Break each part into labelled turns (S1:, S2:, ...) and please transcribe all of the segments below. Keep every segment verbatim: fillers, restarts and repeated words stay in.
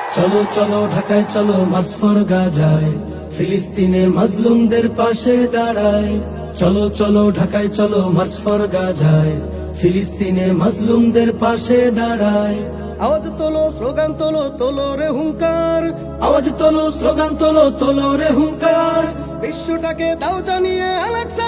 S1: চলো চলো ঢাকায় চলো মার্চ ফর গাজায়, ফিলিস্তিনের মাজলুমদের পাশে দাঁড়ায়। চলো চলো ঢাকায় চলো মার্চ ফর গাজায়, ফিলিস্তিনের মাজলুমদের পাশে দাঁড়ায়।
S2: আওয়াজ তোলো, স্লোগান তোলো, তোলো রে হুঙ্কার।
S1: আওয়াজ তোলো, স্লোগান তোলো, তোলো রে হুঙ্কার।
S2: বিশ্বটাকে দাও জানিয়ে আলাকসা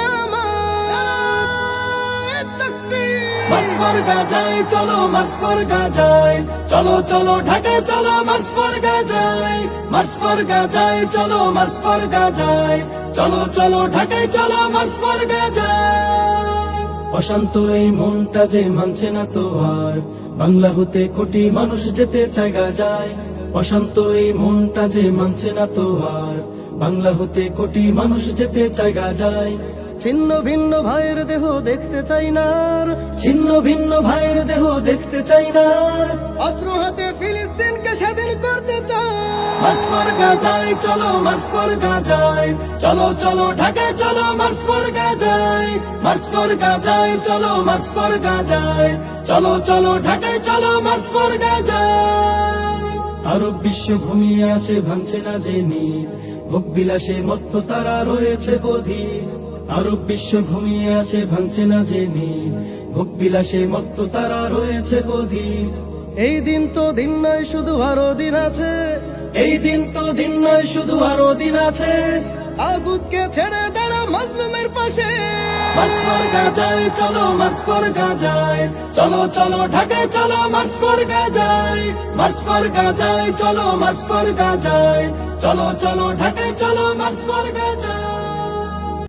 S2: আমার তাকবীর।
S1: মার্চ ফর গাজায় চলো, মার্চ ফর গাজায়, চলো চলো ঢাকায় চলো মার্চ ফর গাজায়। মার্চ ফর গাজায় চলো, মার্চ ফর গাজায়, চলো চলো ঢাকায় চলো মার্চ ফর গাজায়। অশান্ত এই মনটা যে মানছে না তো আর, বাংলা হতে কোটি মানুষ যেতে চায় গাজায়। অশান্ত এই মনটা যে মানছে না তো আর, বাংলা হতে কোটি মানুষ যেতে চায় গাজায়।
S2: ছিন্ন ভিন্ন ভাইয়ের দেহ দেখতে চাই না আর,
S1: ছিন্ন ভিন্ন ভাইয়ের দেহ দেখতে চাই না আর।
S2: অস্ত্র হাতে ফিলিস্তিনকে স্বাধীন করতে চাই।
S1: মার্চ ফর গাজায় চলো, মার্চ ফর গাজায়, চলো চলো ঢাকায় চলো মার্চ ফর গাজায়। মার্চ ফর গাজায় চলো, মার্চ ফর গাজায়, চলো চলো ঢাকায় চলো মার্চ ফর গাজায়। আরব বিশ্ব ঘুমিয়ে আছে ভাঙছে না যে নীল, ভোগ বিলাসে মত্ত তারা রয়েছে বধির। আরব বিশ্ব ঘুমিয়ে আছে ভাঙছে না যে নীল, ভোগ বিলাসে মত্ত তারা রয়েছে বধির।
S2: এই দিন তো দিন নয় শুধু আরো দিন আছে,
S1: এই দিন তো দিন নয় শুধু আরো দিন আছে।
S2: তাগুতকে ছেড়ে দাঁড়া মাজলুমের পাশে।
S1: মার্চ ফর গাজায় চলো, মার্চ ফর গাজায়, চলো চলো ঢাকায় চলো মার্চ ফর গাজায়। মার্চ ফর গাজায় চলো, মার্চ ফর গাজায়, চলো চলো ঢাকায় চলো মার্চ ফর গাজায়।